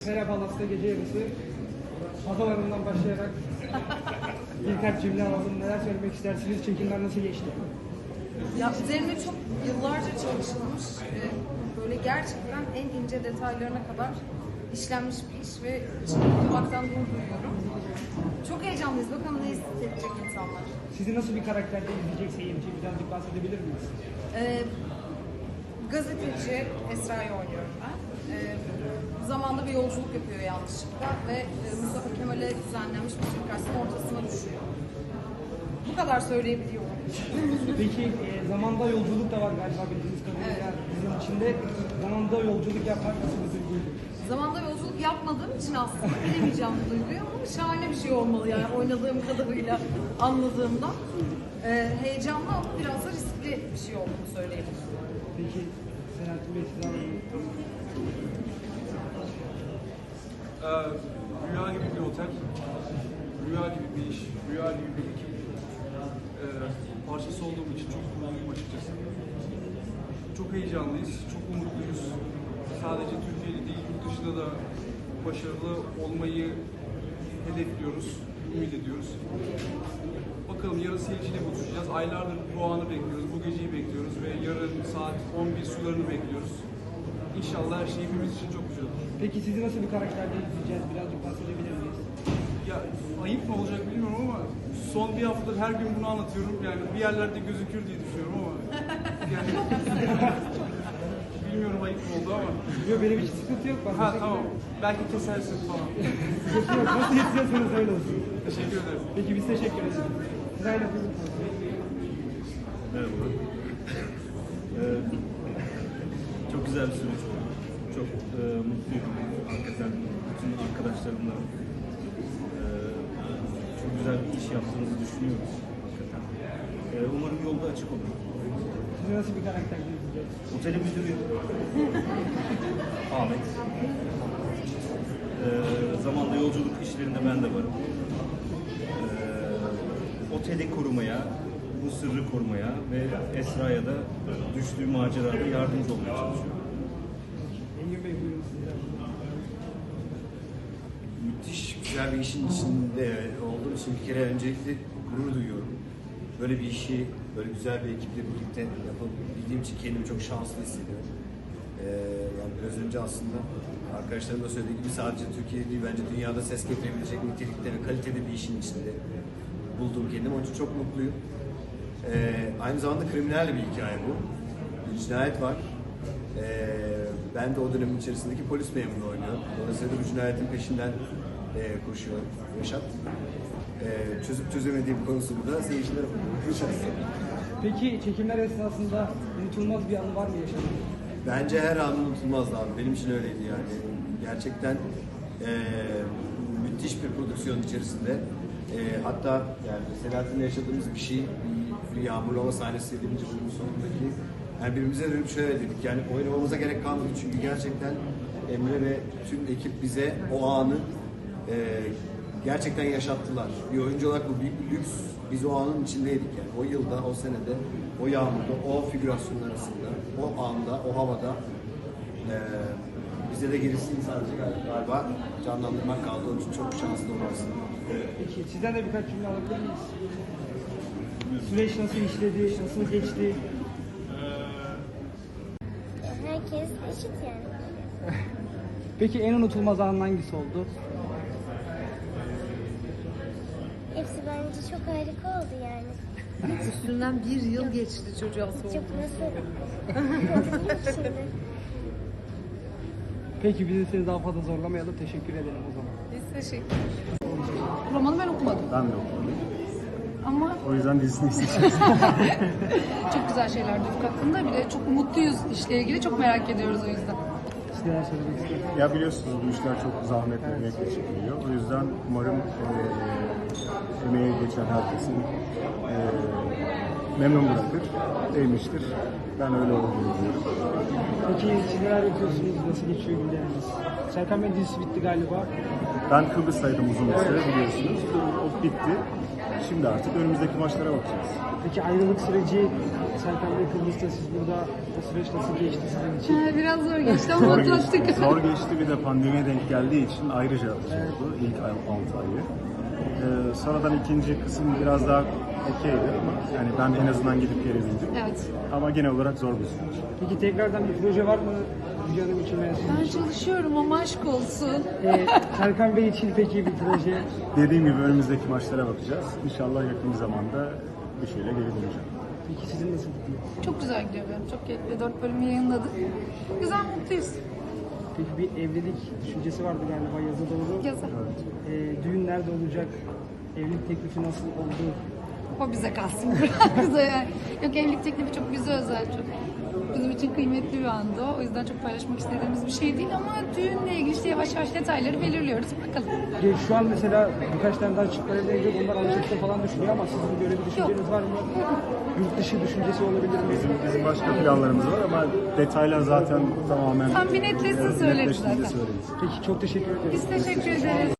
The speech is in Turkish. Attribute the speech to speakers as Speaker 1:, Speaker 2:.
Speaker 1: Merhaba Alasya gece yarısı. Havalarından başlayarak birkaç cümle alalım. Neler söylemek istersiniz? Çekimler nasıl geçti?
Speaker 2: Ya üzerine çok yıllarca çalışılmış, böyle gerçekten en ince detaylarına kadar işlenmiş bir iş ve içinde okumaktan gurur duyuyorum. Çok heyecanlıyız. Bakalım ne hissedecek insanlar.
Speaker 1: Sizi nasıl bir karakterde izleyecek seyirci? Birazcık bahsedebilir miyiz?
Speaker 2: Gazeteci Esra'yı oynuyorum ben. Zamanda bir yolculuk yapıyor yanlışlıkla ve Mustafa Kemal'e düzenlenmiş bir suikastın ortasına düşüyor. Bu kadar söyleyebiliyorum.
Speaker 1: Peki zamanda yolculuk da var galiba bildiğiniz kadarıyla.
Speaker 2: Evet.
Speaker 1: Bizim içinde zamanda yolculuk yapmak nasıl bir duyguydu?
Speaker 2: Zamanda yolculuk yapmadığım için aslında bilemeyeceğim bu duyguyu ama şahane bir şey olmalı yani oynadığım kadarıyla anladığımda. Heyecanlı ama biraz da riskli bir şey olduğunu söyleyebilirim.
Speaker 1: Peki Selahattin Bey size alalım.
Speaker 3: Rüya gibi bir otel, rüya gibi bir iş, rüya gibi bir ekip. Parçası olduğum için çok mutluyum açıkçası. Çok heyecanlıyız, çok umutluyuz. Sadece Türkiye'de değil, yurt dışında da başarılı olmayı hedefliyoruz, ümit ediyoruz. Bakalım yarın seyirciyle buluşacağız. Aylardır bu anı bekliyoruz, bu geceyi bekliyoruz ve yarın saat 11 sularını bekliyoruz. İnşallah her şey hepimiz için çok güzel olur.
Speaker 1: Peki sizi nasıl bir karakterde izleyeceğiz? Birazcık bahsedebilir miyiz?
Speaker 3: Ya ayıp mı olacak bilmiyorum ama son bir haftadır her gün bunu anlatıyorum. Yani bir yerlerde gözükür diye düşünüyorum ama yani bilmiyorum ayıp mı oldu ama.
Speaker 1: Yok benim hiç sıkıntı yok.
Speaker 3: Ha tamam. Belki kesersin falan.
Speaker 1: Yok nasıl istiyorsanız öyle olsun.
Speaker 3: Teşekkür ederim.
Speaker 1: Peki biz teşekkür ederiz. Sırayla buyurun.
Speaker 4: Merhaba. Çok güzel bir süreç oldu. Çok mutluyum. Hakikaten bütün arkadaşlarımla çok güzel bir iş yaptığımızı düşünüyoruz. Hakikaten. Umarım yolda açık olur.
Speaker 1: Sizi nasıl bir karakterde izleyeceğiz?
Speaker 4: Otelin müdürü Ahmet. Zamanda yolculuk işlerinde ben de varım. Oteli korumaya, bu sırrı korumaya ve Esra'ya da düştüğü macerada yardımcı olmaya çalışıyorum.
Speaker 1: Engin Bey buyurun sizden.
Speaker 5: Müthiş güzel bir işin içinde olduğum için bir kere öncelikle gurur duyuyorum. Böyle bir işi, böyle güzel bir ekiple birlikte yapabildiğim için kendimi çok şanslı hissediyorum. Yani biraz önce aslında arkadaşlarım da söylediği gibi sadece Türkiye değil bence dünyada ses getirebilecek nitelikte ve kalitede bir işin içinde buldum kendimi. Onun için çok mutluyum. Aynı zamanda kriminal bir hikaye bu. Bir cinayet var. Ben de o dönemin içerisindeki polis memuru oynuyorum. Dolayısıyla bu cinayetin peşinden koşuyor Reşat. Çözüp çözemediğim konusunu da seyircilere bakacağız.
Speaker 1: Peki çekimler esnasında unutulmaz bir anı var mı yaşadığınız?
Speaker 5: Bence her an unutulmazdı abi. Benim için öyleydi yani. Gerçekten müthiş bir prodüksiyon içerisinde. Hatta yani Selahattin'le yaşadığımız bir şey, bir yağmurlama sahnesiydi birinci bölümün sonundaki. Yani birbirimize dönüp şöyle dedik, yani oynamamıza gerek kalmadı çünkü gerçekten Emre ve tüm ekip bize o anı gerçekten yaşattılar. Bir oyuncu olarak bu büyük bir lüks. Biz o anın içindeydik yani. O yılda, o senede, o yağmurda, o figürasyonlar arasında, o anda, o havada bize de gerisi sadece galiba canlandırmak kaldı. Onun için çok şanslı olmalısın.
Speaker 1: Peki sizden de birkaç cümle alabilir miyiz? Süreç nasıl işledi, nasıl geçti?
Speaker 6: Herkes eşit yani.
Speaker 1: Peki en unutulmaz anın hangisi oldu?
Speaker 6: Hepsi bence çok harika oldu yani.
Speaker 2: Üstünden bir yıl geçti çocuğa
Speaker 6: Çok
Speaker 2: sordu.
Speaker 6: nasıl şimdi?
Speaker 1: Peki bizi seni daha fazla zorlamayalım. Teşekkür ederim o zaman.
Speaker 2: Biz teşekkür ederiz. Romanı ben okumadım
Speaker 7: Ben de okumadım.
Speaker 2: ama
Speaker 7: O yüzden dizisini isteyeceğiz.
Speaker 2: çok güzel şeyler duyduk hakkında. Bir de çok mutluyuz işle ilgili. Çok merak ediyoruz o yüzden.
Speaker 1: Siz neler söylemek istiyorsunuz?
Speaker 7: Ya biliyorsunuz bu işler çok zahmetli, emekle çekiliyor. O yüzden umarım emeği geçen herkesin memnun bırakır, sevmiştir. Ben öyle olduğunu diyorum.
Speaker 1: Peki siz neler yapıyorsunuz? Nasıl geçiyor günleriniz? Serkan Bey dizisi bitti galiba.
Speaker 7: Ben Kıbrıs'taydım uzun bir süre biliyorsunuz. O bitti. Şimdi artık önümüzdeki maçlara bakacağız.
Speaker 1: Peki ayrılık süreci, Serkan Bey Kıbrıs'ta, siz burada, o süreç nasıl geçti sizin için?
Speaker 2: Biraz zor geçti ama atlattık.
Speaker 7: Zor geçti, bir de pandemiye denk geldiği için ayrıca zordu ilk 6 ayı. Sonradan ikinci kısım biraz daha okeydi ama yani ben en azından gidip gelebildim.
Speaker 2: Evet.
Speaker 7: Ama genel olarak zor bir süreç.
Speaker 1: Peki tekrardan bir proje var mı Hülya Hanım için veya sizin
Speaker 2: Ben
Speaker 1: için?
Speaker 2: çalışıyorum ama aşk olsun.
Speaker 1: Serkan Bey için peki bir proje?
Speaker 7: Dediğim gibi önümüzdeki maçlara bakacağız. İnşallah yakın bir zamanda bir şeyle geri döneceğim.
Speaker 1: Peki sizin nasıl gidiyor?
Speaker 2: Çok güzel gidiyor benim. Çok keyifli. 4 bölüm yayınladık. Güzel, mutluyuz.
Speaker 1: Peki bir evlilik düşüncesi vardı galiba yaza doğru.
Speaker 2: Yazar.
Speaker 1: Düğün nerede olacak? Evlilik teklifi nasıl oldu?
Speaker 2: O bize kalsın biraz da yani. Yok, evlilik teklifi çok bize özel, çok bizim için kıymetli bir andı o. O yüzden çok paylaşmak istediğimiz bir şey değil ama düğünle ilgili işte yavaş yavaş detayları belirliyoruz. Bakalım.
Speaker 1: Şu an mesela birkaç tane daha çiftler evlenecek, onlar Alaçatı'da falan düşünüyor ama sizin böyle bir düşünceniz var mı? Yurt dışı düşüncesi olabilir mi?
Speaker 7: Bizim başka planlarımız var ama detaylar zaten tamamen
Speaker 2: Tam bir netleşsin söyleriz
Speaker 7: netleştiğinde
Speaker 2: zaten.
Speaker 7: söyleriz.
Speaker 1: Peki çok teşekkür ederim.
Speaker 2: Biz teşekkür ederiz.